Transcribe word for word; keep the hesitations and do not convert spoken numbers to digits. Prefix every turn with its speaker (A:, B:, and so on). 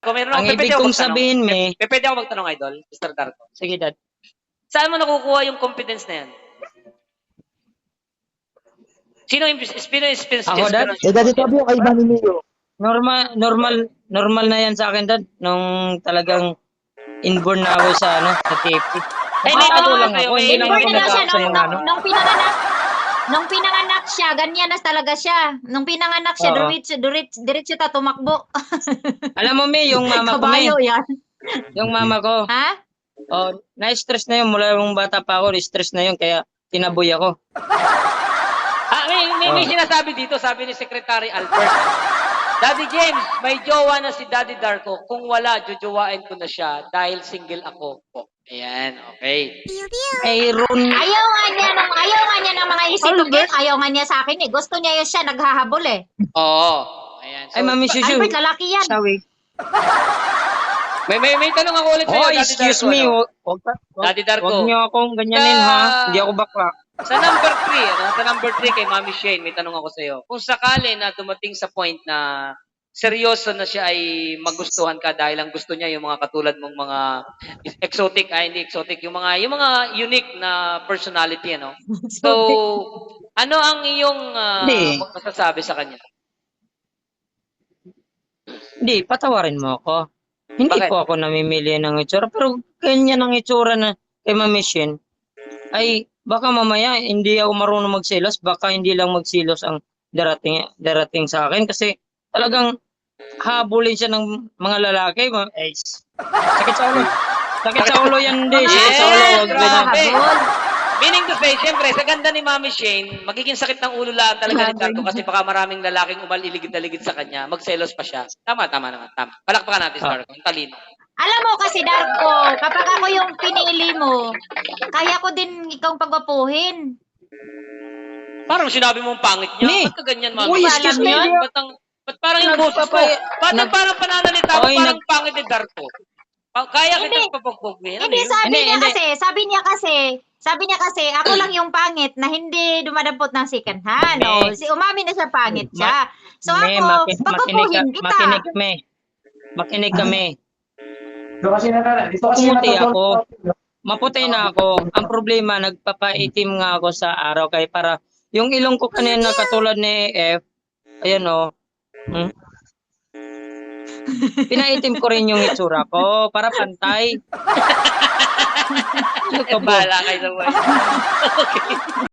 A: Darko, meron
B: Ang
A: ako,
B: ibig
A: pwede ako
B: kong
A: magtanong.
B: sabihin, me,
A: Pe- Pwede ako magtanong, Idol, mister Darko.
B: sige, Dad.
A: Saan mo nakukuha yung confidence na yan? Sino yung sino yung
B: Ako, Dad?
A: inspiration
C: Eh, dati
A: mo?
C: sabi yung kay Manny Mio.
B: Normal, normal, normal na yan sa akin, Dad. Nung talagang inborn na ako sa, ano, sa T F C.
A: Ay, may
B: Nakakatawa
A: tanong
B: lang
A: ako sa'yo,
B: ako,
A: may-
B: hindi lang
D: Inborn
B: ako
D: na daw siya
B: nag-aak sa
D: nung,
B: mga,
D: nung,
B: ano.
D: nung pinanganak. Nung pinanganak siya, ganyan na talaga siya. Nung pinanganak siya,
B: Oo.
D: diretso, diretso, diretso ta tumakbo.
B: Alam mo, me, yung mama ko, me,
D: Kabayo yan.
B: yung mama ko,
D: Ha?
B: oh, na-stress na yun, mula yung bata pa ako, stress na yun, kaya tinaboy ako.
A: Ah, may, may, may
B: Oh.
A: sinasabi dito, sabi ni Secretary Albert. Daddy James, may jowa na si Daddy Darko. Kung wala, jujuwain ko na siya dahil single ako po. Ayan, okay.
B: Mayroon,
D: Ayaw nga niya ng, ayaw nga niya ng mga isitukit. Ayaw nga niya sa akin eh. Gusto niya yun siya, naghahabol eh.
A: Oo. Ayan. So,
B: ay, Mami Shushu,
D: Albert, lalaki yan.
B: sawi.
A: may, may, may tanong ako ulit sa'yo,
B: Oh,
A: Daddy
B: excuse
A: Darko.
B: me,
A: no?
B: wag, wag, wag,
A: Daddy Darko.
B: wag niyo akong ganyanin,
A: Sa-
B: ha? Hindi ako bakla.
A: Sa number three, ano? Sa number three kay Mami Shane, may tanong ako sa'yo. Kung sakali na dumating sa point na seryoso na siya ay magustuhan ka dahil ang gusto niya yung mga katulad mong mga exotic, ay hindi exotic, yung mga yung mga unique na personality, ano. So, ano ang iyong ah,
B: Hindi.
A: masasabi sa kanya?
B: Hindi, patawarin mo ako. Hindi
A: Bakit?
B: po ako namimili ng itsura, pero ganyan ang itsura na kay Mami Shane. Ay, baka mamaya hindi ako marunong magselos, baka hindi lang magselos ang darating darating sa akin kasi talagang habulin siya ng mga lalaki. ma- Eh, sakit sa ulo. Sakit sa ulo yan, hindi. Sakit sa ulo.
A: Yes,
B: Wag
A: grabe.
B: ganyan.
D: Habol.
A: Meaning to say, siyempre, sa ganda ni Mami Shane, magiging sakit ng ulo lang talaga ni Darko kasi baka maraming lalaking umaliligid na ligid sa kanya, magselos pa siya. Tama, tama naman, tama. Palakpakan natin si
B: Ah.
A: Darko, ang talino.
D: Alam mo kasi, Darko, kapag ako yung pinili mo, kaya ko din ikaw pagwapuhin.
A: Parang sinabi mong pangit niya.
B: Me.
A: Ba't ka ganyan, Mami?
B: Uy,
A: Ba't
B: excuse
A: alam
B: me,
A: yan?
B: hindi
A: Ba't, ang, ba't parang yung boses mo?
B: Nagpapay-
A: Ba't ang
B: nag-
A: parang pananalita mo
B: Oy,
A: parang
B: nag-
A: pangit ni Darko? Pa- Kaya
D: Hindi.
A: kita papagbogin. Ano
D: Hindi,
A: yun?
D: sabi
B: Hindi,
D: niya
B: hindi.
D: kasi, sabi niya kasi, sabi niya kasi, ako lang yung pangit na hindi dumadampot ng second hand.
B: Me.
D: O, si umami na siya pangit siya. So
B: Me,
D: ako,
B: maki- makinig,
D: pagpapuhin
B: ka-
D: kita.
B: makinig kami. Makinig kami.
C: Dito kasi na dito kasi
B: Pumuti
C: natutulog
B: ako. Maputi na ako. Ang problema, nagpapaitim nga ako sa araw kaya para yung ilong ko kanina katulad ni F, ayan o. Hmm? Pinaitim ko rin yung itsura ko para pantay. Ano ka ba?
A: Bahala kayo sa buhay. Okay.